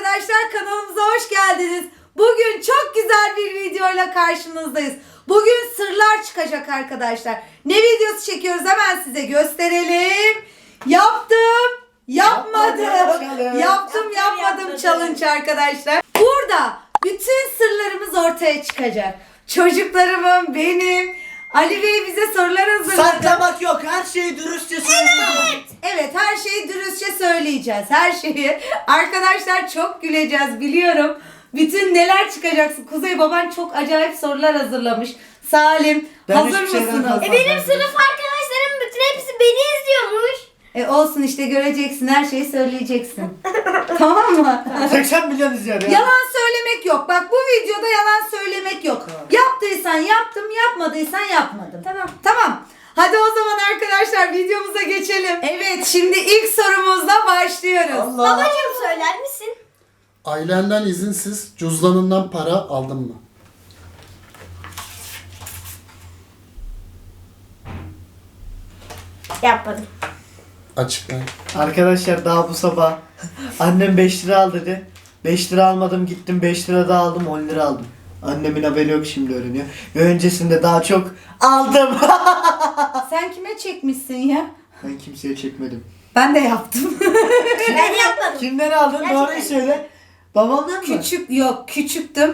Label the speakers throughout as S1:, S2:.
S1: arkadaşlar, kanalımıza hoş geldiniz. Bugün çok güzel bir videoyla karşınızdayız. Bugün sırlar çıkacak arkadaşlar. Ne videosu çekiyoruz hemen size gösterelim. Yaptım, yapmadım. Yapmadım challenge arkadaşlar. Burada bütün sırlarımız ortaya çıkacak. Çocuklarımın, benim, Ali Bey bize sorular hazırladı.
S2: Saklamak yok. Her şeyi dürüstçe söyleyeceğim.
S1: Evet, her şeyi dürüstçe söyleyeceğiz. Her şeyi. Arkadaşlar çok güleceğiz biliyorum. Bütün neler çıkacaksın. Kuzey baban çok acayip sorular hazırlamış. Salim,
S2: Ben
S1: hazır
S2: hiçbir şeyden
S1: mısınız?
S2: korkmam.
S3: Benim sınıf arkadaşlarım bütün hepsi beni izliyormuş.
S1: Olsun işte, göreceksin, her şeyi söyleyeceksin. Tamam mı?
S2: 80 milyon izliyor ya.
S1: Yalan söylemek yok. Bak, bu videoda yalan söylemek yok.
S2: Tamam.
S1: Yaptıysan yaptım, yapmadıysan yapmadım. Tamam. Hadi o zaman arkadaşlar videomuza geçelim. Evet, şimdi ilk sorumuzla başlıyoruz.
S2: Allah.
S3: Babacığım söyler misin?
S4: Ailenden izinsiz cüzdanından para aldın mı?
S3: Yapmadım.
S4: Açıkla.
S2: Arkadaşlar daha bu sabah annem 5 lira al dedi. 5 lira almadım, gittim 5 lira daha aldım, 10 lira aldım. Annemin haberi yok, şimdi öğreniyor. Ve öncesinde daha çok aldım.
S1: Sen kime çekmişsin ya?
S2: Ben kimseye çekmedim.
S1: Ben de yaptım.
S3: Ben yapmadım.
S2: Kimden aldın?
S3: Gerçekten.
S2: Doğruyu söyle. Babamdan mı?
S1: Küçüktüm.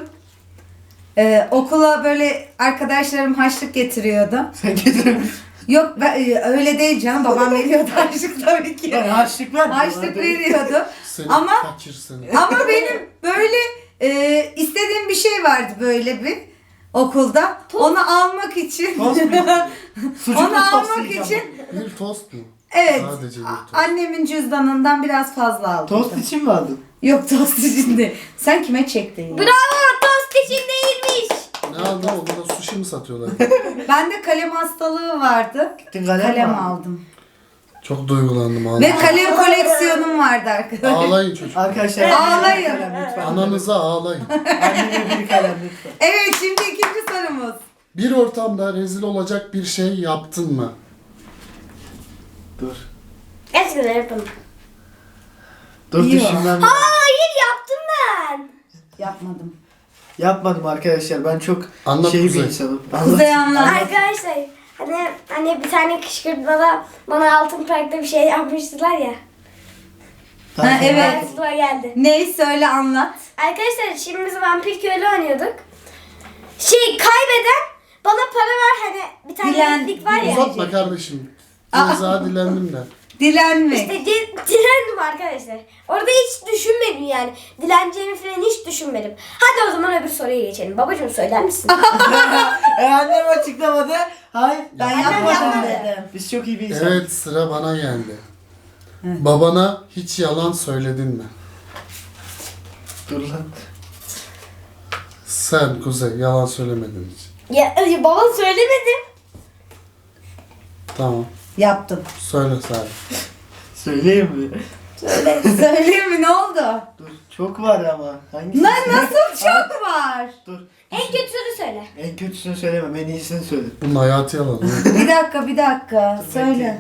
S1: Okula böyle arkadaşlarım harçlık getiriyordu.
S2: Sen getirin.
S1: Yok öyle değil canım, babam veriyordu harçlık tabii ki.
S2: Ben harçlık verdim.
S1: Harçlık veriyordu.
S4: Seni
S1: Ama-
S4: fakir seni.
S1: Ama benim böyle istediğim bir şey vardı böyle bir okulda. Onu almak için.
S2: Tost mu? Sucuklu
S1: Onu
S2: tost
S1: almak
S2: yiyeceğim.
S1: için.
S4: Bir tost mu?
S1: Evet.
S4: Sadece bir tost.
S1: Annemin cüzdanından biraz fazla aldım.
S2: Tost için mi aldın?
S1: Yok, tost için değil. Sen kime çektin ya?
S3: Bravo, tost için değilmiş.
S4: Ne aldın? Okulda sushi mi satıyorlar?
S1: Bende kalem hastalığı vardı.
S2: Gittin kalem mi
S1: Kalem
S2: aldın?
S1: aldım.
S4: Çok duygulandım
S1: Ve
S4: ağlayın.
S1: kalem koleksiyonum vardı arkadaşlar.
S4: Ağlayın çocuk.
S2: Arkadaşlar
S1: Ağlayın.
S2: bir kalem lütfen.
S4: Ananıza ağlayın.
S2: Anneme bir kalem lütfen.
S1: Evet, şimdi ikinci sorumuz.
S4: Bir ortamda rezil olacak bir şey yaptın mı?
S2: Dur.
S3: Gerçekten yapmadım.
S2: Dur
S1: Yok.
S2: düşünmem.
S3: Hayır, yaptım ben.
S1: Yapmadım.
S2: Yapmadım arkadaşlar. Ben çok
S4: Anlat
S2: şey bir
S4: Kuzey.
S2: insanım.
S1: Kuzey anlat.
S3: Arkadaşlar hani bir tane kışkırtmada bana altın parkta bir şey yapmıştılar ya.
S1: Ha, evet.
S3: Aklıma geldi.
S1: Ney, söyle, anlat.
S3: Arkadaşlar şimdi biz vampir köylü oynuyorduk. Kaybeden bana para ver, hani bir tane
S1: Dilen-
S3: lig var ya.
S4: Uzatma kardeşim. Ceza dilendim de.
S1: Dilenmek.
S3: İşte dilendim arkadaşlar. Orada hiç düşünmedim yani. Dileneceğimi falan hiç düşünmedim. Hadi o zaman öbür soruya geçelim. Babacığım söyler misin?
S2: Annem açıklamadı. Hayır.
S1: Ben
S3: Annem
S1: yapmadım
S3: yapmadı.
S1: dedim.
S2: Biz çok iyi bir insanız.
S4: Evet, sıra bana geldi. Babana hiç yalan söyledin mi?
S2: Dur lan.
S4: Sen Kuzey yalan söylemedin hiç.
S3: Ya baba söylemedim.
S4: Tamam.
S1: Yaptım.
S4: Söyle Salim.
S2: Söyleyeyim mi?
S1: Söyleyeyim mi, ne oldu?
S2: Dur. Çok var ama. Hangisi?
S1: Lan nasıl çok var?
S2: Dur.
S3: En kötüsünü söyle.
S2: En kötüsünü söylemem. En iyisini söyle.
S4: Bunun hayatı yalan.
S1: Bir dakika. Söyle.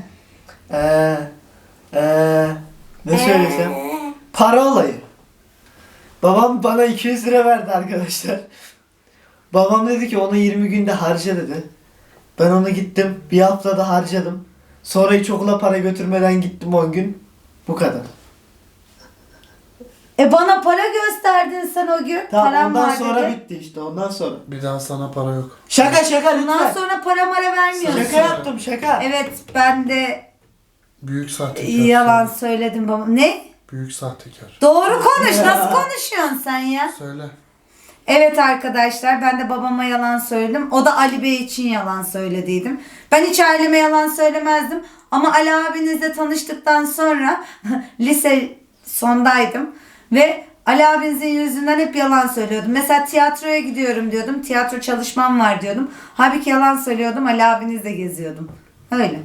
S2: Ne söylesem? Para olayı. Babam bana 200 lira verdi arkadaşlar. Babam dedi ki onu 20 günde harca dedi. Ben onu gittim bir haftada harcadım. Sonra hiç okula para götürmeden gittim 10 gün. Bu kadar.
S1: Bana para gösterdin sen o gün.
S2: Tamam,
S1: Param
S2: ondan
S1: var
S2: sonra
S1: dedi.
S2: bitti işte, ondan sonra.
S4: Bir daha sana para yok.
S2: Şaka lütfen.
S1: Ondan sonra para vermiyorsun.
S2: Şaka yaptım şaka.
S1: Evet, ben de
S4: Büyük sahtekar.
S1: yalan
S4: Söyle.
S1: söyledim baba. Ne?
S4: Büyük sahtekar.
S1: Doğru konuş. Nasıl konuşuyorsun sen ya?
S4: Söyle.
S1: Evet arkadaşlar, ben de babama yalan söyledim. O da Ali Bey için yalan söylediydim. Ben hiç aileme yalan söylemezdim. Ama Ali abinizle tanıştıktan sonra lise sondaydım. Ve Ali abinizin yüzünden hep yalan söylüyordum. Mesela tiyatroya gidiyorum diyordum. Tiyatro çalışmam var diyordum. Halbuki yalan söylüyordum. Ali abinizle geziyordum. Öyle.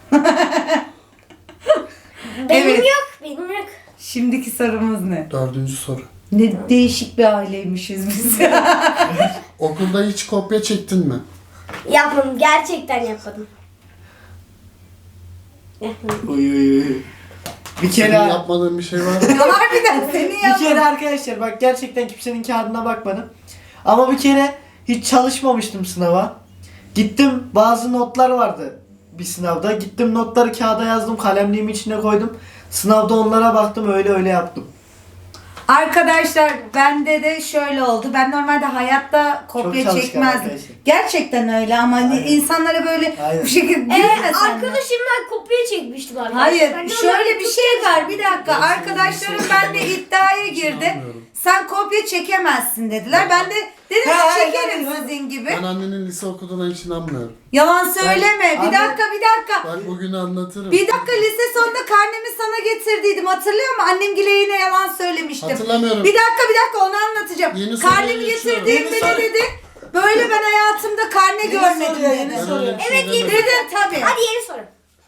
S3: Benim
S1: Evet.
S3: benim yok.
S1: Şimdiki sorumuz ne?
S4: 4. soru.
S1: Ne değişik bir aileymişiz biz.
S4: Okulda hiç kopya çektin mi?
S3: Yapmadım, gerçekten yapmadım. Yapmadım.
S2: Uy uy uy. Bir
S4: Senin
S2: kere
S4: yapmadığın bir şey var mı?
S1: Harbiden senin
S2: bir
S1: yaptın.
S2: kere arkadaşlar bak gerçekten kimsenin kağıdına bakmadım. Ama bir kere hiç çalışmamıştım sınava. Gittim bazı notlar vardı bir sınavda. Gittim notları kağıda yazdım, kalemliğimin içine koydum. Sınavda onlara baktım, öyle yaptım.
S1: Arkadaşlar bende de şöyle oldu. Ben normalde hayatta kopya
S2: çalışkan
S1: çekmezdim.
S2: arkadaşlar.
S1: Gerçekten öyle ama hani
S2: Aynen.
S1: insanlara böyle
S2: Aynen.
S1: bu şekilde gülmesen mi?
S3: Arkadaşımdan kopya çekmiştim arkadaşlar.
S1: Hayır,
S3: Ben de
S1: şöyle
S3: onları
S1: bir şey var. Bir dakika.
S4: Ben
S1: Arkadaşlarım
S4: sana
S1: benimle iddiaya girdi.
S4: İnanmıyorum.
S1: Sen kopya çekemezsin dediler. Ben de dedim
S2: Ha,
S1: ki çekerim
S2: aynen.
S1: sizin gibi.
S4: Ben annenin lise okuduğuna hiç inanmıyorum.
S1: Yalan söyleme. Bir
S2: Anne-
S1: dakika.
S4: Bak bugün anlatırım.
S1: Bir dakika, lise sonunda karnemi sana getirdiydim. Hatırlıyor musun? Annemgile yine yalan söylemiştim.
S4: Hatırlamıyorum.
S1: Bir dakika onu anlatacağım.
S4: Yeni soruya
S1: Karnemi
S4: geçiyorum.
S1: getirdiğimde
S2: Yeni
S1: ne
S2: soru.
S1: dedi? Böyle ben hayatımda karne görmedim
S2: soruyor,
S1: dedi.
S2: yeni
S4: Ben
S2: soruyor.
S4: öyle bir şey
S3: Evet,
S4: demedim.
S1: Dedim tabii.
S3: Hadi yeni soru.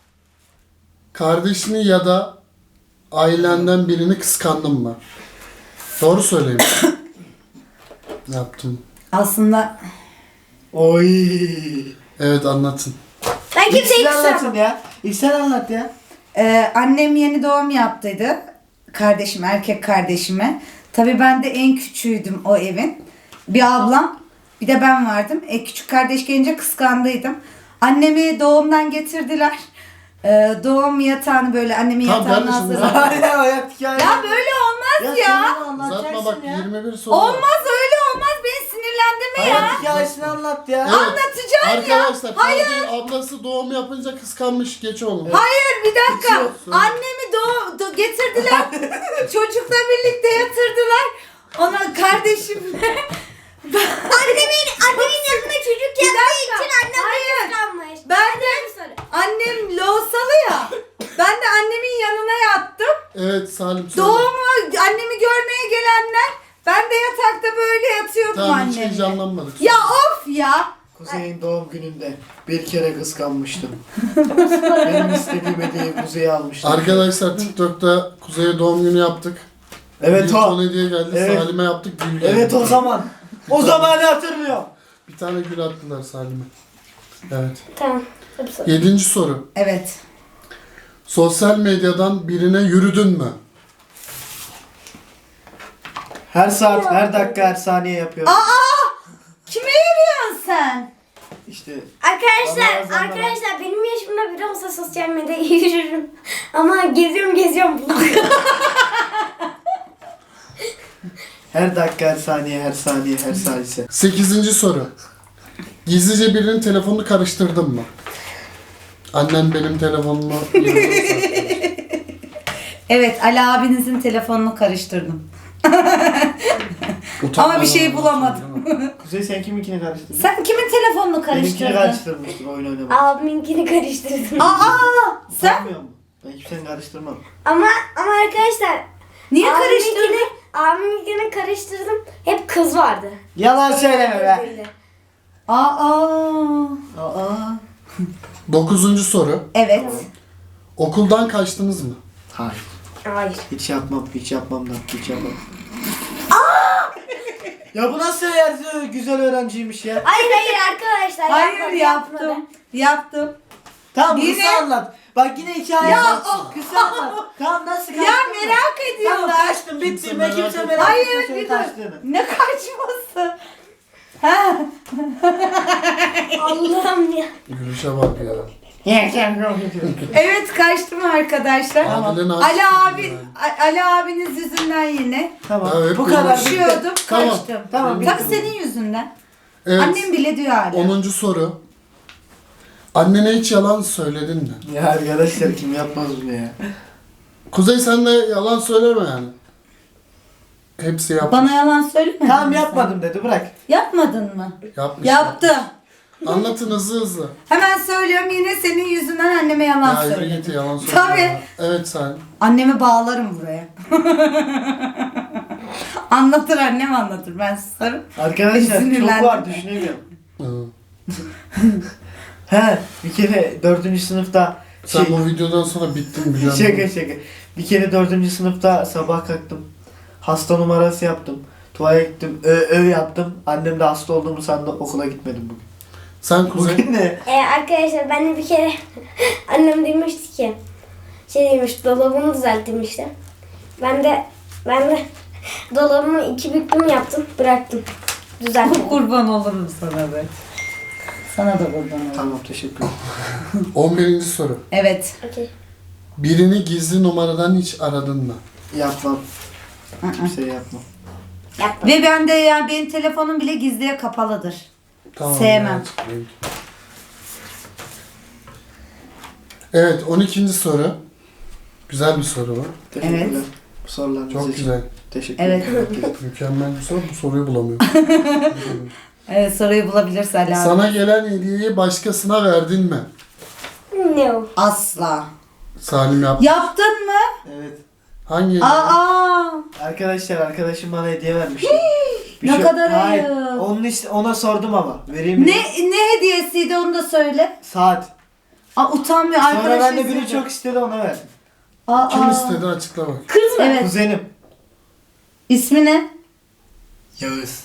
S4: Kardeşini ya da ailenden birini kıskandın mı? Doğru söyleyeyim. Yaptım.
S1: Aslında
S2: Oy.
S4: Evet anlatın.
S3: Ben
S2: İlk
S3: kimseyi
S2: sen anlatın
S3: kıskanmam.
S2: ya. İlk sen anlat ya.
S1: annem yeni doğum yaptıydı. Kardeşim, erkek kardeşime. Tabii ben de en küçüğüydüm o evin. Bir ablam, bir de ben vardım. Küçük kardeş gelince kıskandıydım. Annemi doğumdan getirdiler. Doğum yatağını böyle annemin
S4: Tamam,
S1: yatağını
S4: kardeşim,
S1: hazırladı.
S2: Hayır hayat hikaye.
S1: Ya böyle olmaz ya.
S4: Uzatma bak 21 soru var.
S1: Olmaz, öyle olmaz. Beni sinirlendirme ya.
S2: Hayat hikayesini anlat ya.
S4: Evet.
S1: Anlatacaksın ya.
S4: Arkadaşlar kardeşi ablası doğum yapınca kıskanmış, geç oğlum.
S1: Hayır, bir dakika.
S4: Geçiyorsun.
S1: Annemi getirdiler. Çocukla birlikte yatırdılar. Ona kardeşimle.
S3: Annemin yanında çocuk
S1: Bir
S3: yaptığı
S1: dakika.
S3: için annem
S1: Hayır.
S3: de kıskanmış.
S1: Ben de
S3: Bir soru.
S1: annem loğusalı ya. Ben de annemin yanına yattım.
S4: Evet Salim söyle.
S1: Doğumu annemi görmeye gelenler, ben de yatakta böyle yatıyordum
S4: Tamam hiç
S1: annemle.
S4: heyecanlanmadık.
S1: Ya of ya.
S2: Kuzey'in doğum gününde bir kere kıskanmıştım. Benim istediğim hediyeyi Kuzey'e almıştım.
S4: Arkadaşlar TikTok'ta Kuzey'e doğum günü yaptık.
S2: Evet
S4: Bir
S2: o.
S4: ton hediye geldi.
S2: Evet.
S4: Salim'e yaptık. Gül geldi.
S2: Evet o zaman. O zamanı hatırlıyorum.
S4: Bir tane gül attılar Salim'e. Evet.
S3: Tamam. Hadi soru.
S4: 7. soru.
S1: Evet.
S4: Sosyal medyadan birine yürüdün mü?
S2: Her saat, her dakika, her saniye yapıyorum.
S1: Kime yürüyorsun sen?
S2: İşte
S3: Arkadaşlar,
S2: Vallahi
S3: arkadaşlar benim yaşımda biri olsa sosyal medyada yürürüm. Ama geziyorum.
S2: her dakika, her saniye, her saniye, her salise.
S4: 8. soru. Gizlice birinin telefonunu karıştırdın mı? Annem benim telefonumu
S1: Evet, Ali abinizin telefonunu karıştırdım. Ama bir şey bulamadım.
S2: Kuzey sen kiminkini karıştırdın?
S1: Sen kimin telefonunu
S2: Benimkini
S1: karıştırdın?
S2: karıştırmıştın oyun oynamak.
S3: Abiminkini karıştırdım.
S1: Sen
S2: Sanmıyor musun? Ben kimsenin karıştırmam.
S3: Ama arkadaşlar
S1: niye karıştırdın?
S3: abiminkini karıştırdım. Hep kız vardı.
S2: Yalan söyleme be.
S1: Aa.
S2: Aa.
S4: 9. soru.
S1: Evet.
S4: Okuldan kaçtınız mı?
S2: Hayır.
S3: Hayır.
S2: Hiç yapmam da, hiç yapmam. Ya bu nasıl güzel öğrenciymiş ya?
S3: Hayır arkadaşlar.
S1: Hayır, yaptım.
S2: Tamam
S1: Yine-
S2: kısa anlat. Bak yine hikaye
S1: Ya,
S2: anlat.
S1: oh.
S2: Kısa anlat. Tamam nasıl kaçtın?
S1: Ya merak
S2: Tamam
S1: ediyorlar.
S2: kaçtım bitti.
S4: Kimse
S2: Ben
S4: merak
S2: kimse
S4: etmiyor.
S2: merak
S1: Hayır,
S2: etmiyor senin
S1: bir dur.
S2: kaçtığını.
S1: Ne kaçması? Ha?
S3: Allah'ım ya.
S4: Gülüşe bak ya.
S1: Evet, kaçtım arkadaşlar.
S4: Abilerin
S1: Ali
S4: aşkı
S1: abi,
S4: yani.
S1: Ali abiniz yüzünden yine
S2: Tamam.
S4: Evet,
S2: bu
S4: bu
S2: kadar.
S4: şey-
S1: düşüyordum,
S4: Tamam.
S1: kaçtım.
S2: Tamam,
S1: Tabii
S2: bitti.
S1: senin yüzünden.
S4: Evet.
S1: Annem bile diyor hala.
S4: 10. soru. Annene hiç yalan söyledin mi?
S2: Ya arkadaşlar kim yapmaz bunu ya?
S4: Kuzey sen de yalan söyleme yani. Hepsi yapmış.
S1: Bana yalan söyleme.
S2: Tamam yapmadım dedi bırak.
S1: Yapmadın mı?
S4: Yapmış.
S1: Yaptım.
S4: Anlatın hızlı.
S1: Hemen söylüyorum, yine senin yüzünden anneme yalan
S4: Ya yürü
S1: söyledim.
S4: git yalan söyleme.
S1: Tabii.
S4: ya. Evet sen.
S1: Annemi bağlarım buraya. Anlatır, annem anlatır. Ben susarım.
S2: Arkadaşlar çok
S1: Sinirlendim.
S2: var düşünemiyorum.
S4: Hı.
S2: He bir kere 4. sınıfta
S4: Sen bu videodan sonra bittin biliyorum.
S2: şaka. Bir kere 4. sınıfta sabah kalktım. Hasta numarası yaptım. Tuvalete gittim. Yaptım. Annem de hasta olduğumu sandı. Okula gitmedim bugün.
S4: Sen Kuzey.
S2: Bugün ne?
S3: Arkadaşlar ben de bir kere annem demişti ki şey demiş, dolabımı düzelttim işte. Ben de dolabımı 2 büklüm yaptım, bıraktım. Düzelttim.
S1: Kurban olurum sana be. Sana da kurban olurum.
S2: Tamam, teşekkür ederim.
S4: 11. soru.
S1: Evet.
S3: Okey.
S4: Birini gizli numaradan hiç aradın mı?
S2: Yapmam. Bir şey yapmam.
S3: Yapma.
S1: Ve ben de yani benim telefonum bile gizliye kapalıdır.
S4: Tamam.
S1: Sevmem.
S4: ben açıklayayım. Evet, 12. soru. Güzel bir soru bu.
S2: Teşekkürler.
S1: Evet.
S2: Bu sorularınız
S4: Çok
S2: için.
S4: güzel.
S2: Teşekkür
S1: Evet.
S2: ederim.
S4: Mükemmel bir soru. Bu soruyu bulamıyorum.
S1: Evet, soruyu bulabilirsen abi.
S4: Sana gelen hediyeyi başkasına verdin mi?
S3: Ne o?
S1: Asla.
S4: Salim yaptı.
S1: Yaptın mı?
S2: Evet.
S4: Hangi hediye?
S1: Aa!
S2: Arkadaşlar, arkadaşım bana hediye vermişti.
S1: Ne kadar
S2: Hayır.
S1: ayıp.
S2: Onun ona sordum ama. Vereyim mi?
S1: Ne hediyesiydi onu da söyle.
S2: Saat.
S1: Aa, utanmıyor
S2: Sonra
S1: arkadaş.
S2: ben de biri
S1: istedi.
S2: çok istedi, ona verdim.
S1: Aa,
S4: Kim istedi açıkla bak.
S3: Kız mı?
S1: Evet.
S2: Kuzenim.
S1: İsmi ne?
S2: Yağız.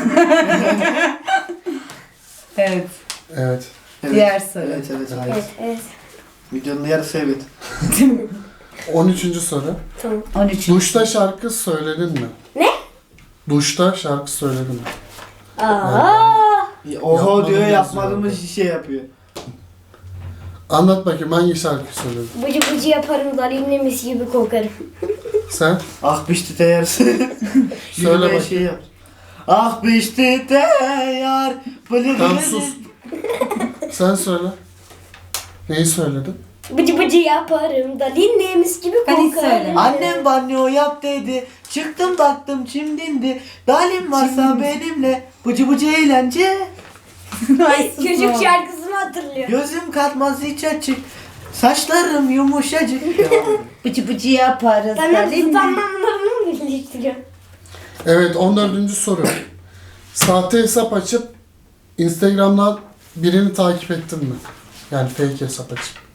S1: Evet.
S4: Evet.
S2: Evet.
S1: Diğer soru.
S2: Evet, hayır.
S3: Evet, evet.
S2: Videonun yarısı evet.
S4: 13. soru.
S3: Tamam.
S1: 13.
S4: Duşta şarkı söyledin mi?
S3: Ne?
S4: Duşta şarkı söyledin mi?
S3: Aa!
S2: Oho
S4: Yapmadım
S2: diyor,
S4: yazıyor.
S2: yapmadığımız şey yapıyor.
S4: Anlat bakayım hangi şarkı söyledin?
S3: Bıcı bıcı yaparım, dalimle mis gibi kokarım.
S4: Sen?
S2: Ah bişti yarısı.
S4: Söyle bakayım.
S2: Şey yap. Ah bişti yar.
S4: Tamam sus. Sen söyle. Neyi söyledin?
S3: Bıcı bıcı yaparım, dalimle mis gibi
S1: Ben hiç
S3: kokarım.
S1: söylemedim.
S2: Annem banyo yap dedi. Çıktım baktım çimdindi. Dalim varsa benimle. Bıcı bıcı eğlence.
S1: Ay, sus
S3: Çocuk
S1: oğlum.
S3: şarkısını hatırlıyor.
S2: Gözüm katmaz hiç açık. Saçlarım yumuşacık. Devam edelim.
S1: Bıcı bıcı yaparız.
S3: Ben hep
S1: Dalim.
S3: zıt anlamlarını mı birleştiriyorum?
S4: Evet 14. soru. Sahte hesap açıp Instagram'dan birini takip ettin mi? Yani fake hesap açıp.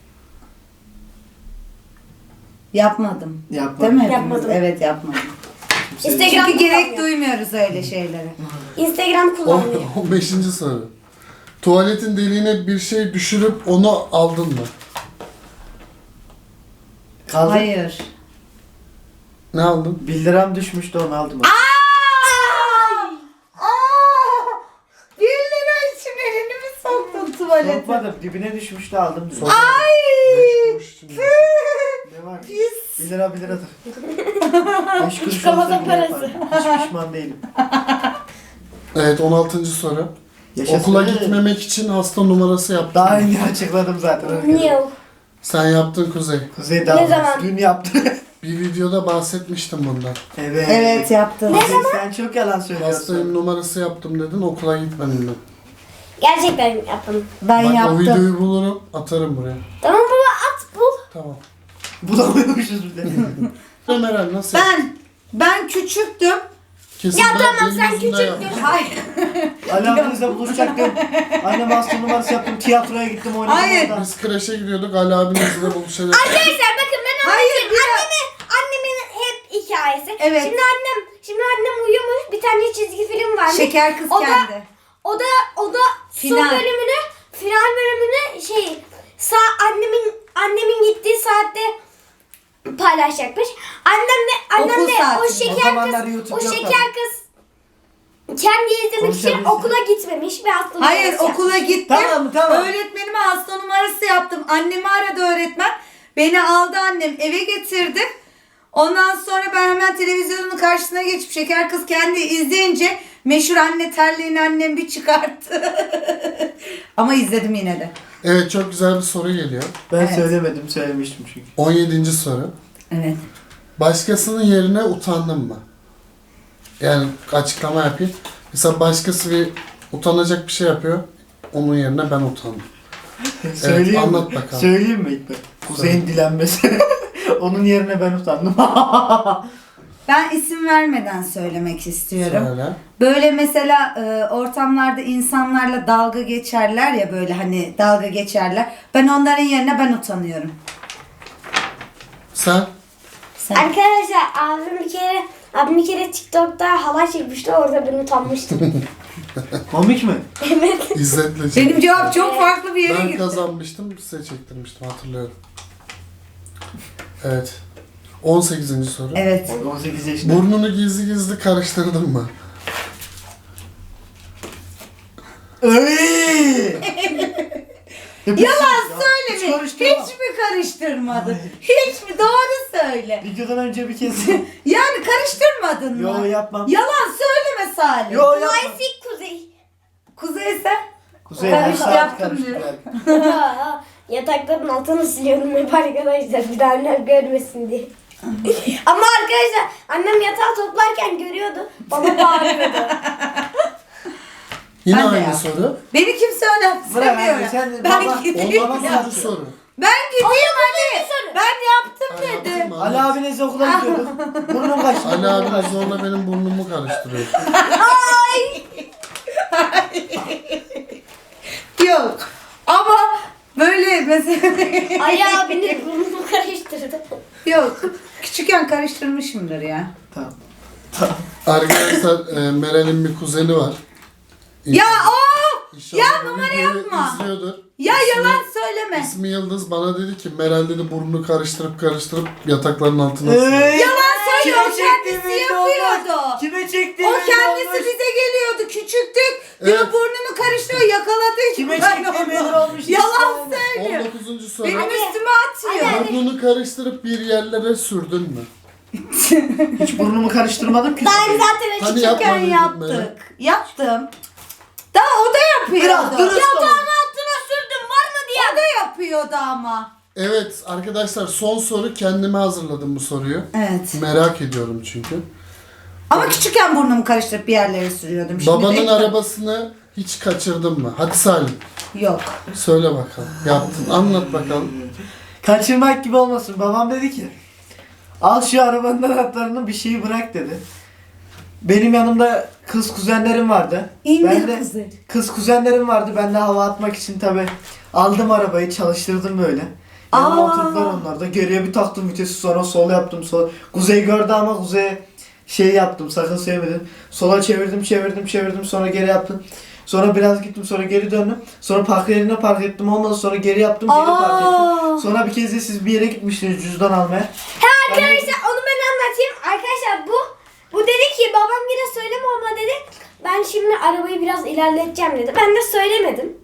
S1: Yapmadım.
S2: Yapma.
S1: Değil mi hepimiz?
S3: Yapmadım.
S1: Evet, yapmadım.
S3: Instagram
S1: Çünkü gerek
S3: kullanmıyor.
S1: duymuyoruz öyle şeylere.
S3: Instagram kullanmıyor.
S4: 15. soru. Tuvaletin deliğine bir şey düşürüp onu aldın mı?
S2: Kaldı.
S1: Hayır.
S4: Ne aldın?
S2: 1 liram düşmüştü, onu aldım.
S1: Aa! 1 lira için elini mi soktun tuvalete?
S2: Sokmadım, dibine düşmüştü, aldım. Diyor.
S1: Ay!
S2: Ne var?
S1: Pis.
S2: 1 lira 1 liradır. 5 kuruş
S3: Çıkamazın
S2: olsa bile
S3: parası.
S2: yaparım. Hiç pişman değilim.
S4: Evet 16. soru.
S2: Yaşasın.
S4: Okula gitmemek için hasta numarası yaptın.
S2: Daha önce açıkladım zaten.
S3: Niye o?
S4: Sen yaptın Kuzey.
S2: Kuzey daha
S3: zaman?
S2: dün yaptı.
S4: Bir videoda bahsetmiştim bundan.
S2: Evet.
S1: Evet, yaptın.
S2: Kuzey, sen çok yalan söylüyorsun.
S4: Hastayım numarası yaptım dedin okula gitmedin ben.
S3: Gerçekten yaptım.
S1: Ben
S4: Bak o
S1: yaptım.
S4: videoyu bulurum atarım buraya.
S3: Tamam baba, at bul.
S4: Tamam.
S2: Bulamıyormuşuz bir de.
S4: Meral nasıl?
S1: Ben küçüktüm.
S4: Kesin
S3: Ya
S4: ben
S3: tamam,
S4: benim
S3: sen
S4: yüzümden
S3: küçüktün.
S4: yapmışım.
S1: Hayır.
S2: Ali abinizle buluşacaktım. Annem hasta numarası yaptım. Tiyatroya gittim, oynadım.
S1: Hayır.
S2: orada.
S4: Biz kreşe gidiyorduk Ali abimizle buluşacak.
S3: Arkadaşlar bakın, ben
S1: Hayır,
S3: anlatayım. Annemin hep hikayesi.
S1: Evet.
S3: Şimdi annem uyumuş, bir tane çizgi film varmış.
S1: Şeker kız
S3: O da-
S1: kendi.
S3: O da
S1: Final.
S3: son bölümünü, final bölümünü annemin gittiği saatte paylaşacakmış. Annem
S1: Okul
S3: de
S1: saatinde.
S3: o
S2: O
S3: şeker
S2: zamanlar
S3: kız,
S2: YouTube
S3: o
S2: yok
S3: şeker
S2: tabii.
S3: kız kendi izlemek için
S2: Konuşabilirsin.
S3: okula gitmemiş ve hasta
S1: Hayır,
S3: numarası
S1: okula
S3: yapmış.
S1: gittim.
S2: Tamam.
S1: Öğretmenime hasta numarası yaptım. Annemi aradı öğretmen. Beni aldı annem, eve getirdi. Ondan sonra ben hemen televizyonun karşısına geçip Şeker Kız kendi izleyince meşhur anne terliğini annem bir çıkarttı. Ama izledim yine de.
S4: Evet çok güzel bir soru geliyor.
S2: Ben
S1: Evet.
S2: söylemedim, söylemiştim çünkü.
S4: 17. soru.
S1: Evet.
S4: Başkasının yerine utandın mı? Yani açıklama yapayım. Mesela başkası bir utanacak bir şey yapıyor. Onun yerine ben utandım.
S2: Söyleyeyim
S4: anlat
S2: mi?
S4: bakalım.
S2: Söyleyeyim mi ilk ben? Kuzey'in dilenmesi. Onun yerine ben utandım.
S1: Ben isim vermeden söylemek istiyorum.
S4: Söyle.
S1: Böyle mesela ortamlarda insanlarla dalga geçerler ya, böyle hani dalga geçerler. Ben onların yerine ben utanıyorum.
S4: Sen?
S1: Sen.
S3: Arkadaşlar abim bir kere TikTok'ta halay çekmişti, orada ben utanmıştım.
S2: Komik mi?
S3: Evet.
S4: İzzetle çek.
S1: Benim cevap çok farklı bir yere
S4: Ben
S1: gitti.
S4: kazanmıştım, size çektirmiştim hatırlıyorum. Evet. 18. soru.
S1: Evet.
S2: 18 yaşında.
S4: Burnunu gizli gizli karıştırdın mı?
S2: Öy!
S1: Yalan
S2: Hiç
S1: söyleme.
S2: karıştırma.
S1: Hiç mi karıştırmadın? Hiç mi? Doğru söyle.
S2: Videodan önce bir kez.
S1: Yani karıştırmadın mı?
S2: Yo yapmam.
S1: Yalan söyleme Salih.
S2: Yo yapmam.
S3: Kuzey Kuzey.
S1: Kuzey sen?
S2: Kuzey
S1: Karıştı,
S2: her saat
S1: yaptım
S2: karıştırıyor.
S3: Yatakların altını siliyorum hep arkadaşlar. Bir daha annem görmesin diye. Ama arkadaşlar annem yatağı toplarken görüyordu. Baba bağırıyordu.
S4: Yine
S1: Ben de
S4: aynı
S1: yaptım.
S4: soru.
S1: Beni kimse
S2: Bırak
S1: önemsemiyor.
S2: abi, sen
S1: Ben
S2: baba-
S1: gideyim.
S4: Ondan
S2: Ya.
S4: sonraki soru.
S1: Ben gideyim hadi. Ben yaptım
S4: Ali
S1: dedi.
S4: yaptın mı?
S2: Ali abi neyse okula gidiyordu. Burnum kaçtı.
S4: Ali abi zorla benim burnumu karıştırıyor.
S1: Yok. Ama böyle mesela
S3: Ali abinin burnunu karıştırdı.
S1: yok. Küçükken karıştırmışımdır ya.
S2: Tamam.
S4: Arkadaşlar Meral'in bir kuzeni var.
S1: Ya o!
S4: İnşallah
S1: Ya
S4: bu
S1: numara
S4: videoyu
S1: yapma.
S4: izliyordur.
S1: Ya
S4: İsmi-
S1: yalan söyleme.
S4: İsmi Yıldız bana dedi ki Meral dedi burnunu karıştırıp yatakların altına sürüyor.
S1: Yalan söyle,
S2: Kime
S1: o kendisi
S2: çektiğimi
S1: yapıyordu.
S2: Kime çektiğimi
S1: O kendisi bize geliyordu küçüktük. Diyor
S4: Evet.
S1: burnunu karıştırıyor, yakaladı.
S2: Kime
S1: Ben
S2: çektiğim
S1: onu-
S2: belli olmuş.
S1: Yalan söylüyor.
S4: 19. soru.
S1: Benim üstüme atıyor.
S4: Burnunu karıştırıp bir yerlere sürdün mü?
S2: Hiç burnumu karıştırmadım ki.
S3: Ben zaten
S4: Hani
S1: Küçükken
S4: yapmadın Meral?
S1: yaptık. Yaptım. Daha o da yapıyordu.
S2: Biraz dürüst ol.
S3: altına sürdüm var mı diye.
S1: O da yapıyordu ama.
S4: Evet arkadaşlar son soru kendime hazırladım bu soruyu.
S1: Evet.
S4: Merak ediyorum çünkü.
S1: Ama küçükken burnumu karıştırıp bir yerlere sürüyordum. Şimdi
S4: Babanın
S1: de-
S4: arabasını hiç kaçırdın mı? Hadi Salim
S1: Yok.
S4: söyle bakalım. Yaptın. Anlat bakalım.
S2: Kaçırmak gibi olmasın. Babam dedi ki al şu arabanın anahtarını bir şeyi bırak dedi. Benim yanımda kız kuzenlerim vardı.
S1: İndir
S2: Ben de
S1: kızı.
S2: kız kuzenlerim vardı. Ben de hava atmak için tabi aldım arabayı çalıştırdım böyle. Yanıma
S1: Aa.
S2: oturdular onlar da. Geriye bir taktım vitesi sonra sol yaptım. Kuzey gördü ama Kuzey'e şey yaptım sakın sevmedin. Sola çevirdim sonra geri yaptım. Sonra biraz gittim sonra geri döndüm. Sonra park yerine park ettim olmadı sonra geri yaptım geri park ettim. Sonra bir kez de siz bir yere gitmiştiniz cüzdan almaya.
S3: Arkadaşlar onu ben anlatayım. Arkadaşlar bu dedi ki babam yine söyleme ama dedi. Ben şimdi arabayı biraz ilerleteceğim dedi. Ben de söylemedim.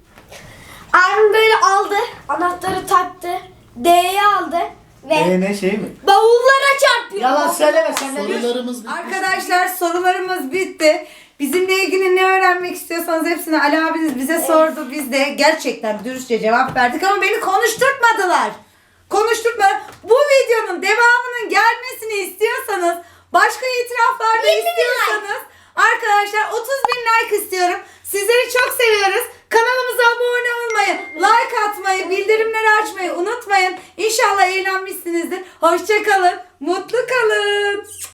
S3: Abim böyle aldı. Anahtarı taktı. D'ye aldı. Ve
S2: Ne şey mi?
S3: bavullara çarpıyor.
S2: Yalan söyleme sen ne diyorsun?
S4: Sorularımız bitti.
S1: Arkadaşlar sorularımız bitti. Bizimle ilgili ne öğrenmek istiyorsanız hepsini Ali abiniz bize sordu. Biz de gerçekten dürüstçe cevap verdik ama beni konuşturtmadılar. Konuşturtmadılar. Bu videonun devamının gelmesini istiyorsanız, başka itiraflar da istiyorsanız arkadaşlar 30.000 like istiyorum. Sizleri çok seviyoruz. Kanalımıza abone olmayı, like atmayı, bildirimleri açmayı unutmayın. İnşallah eğlenmişsinizdir. Hoşça kalın, mutlu kalın.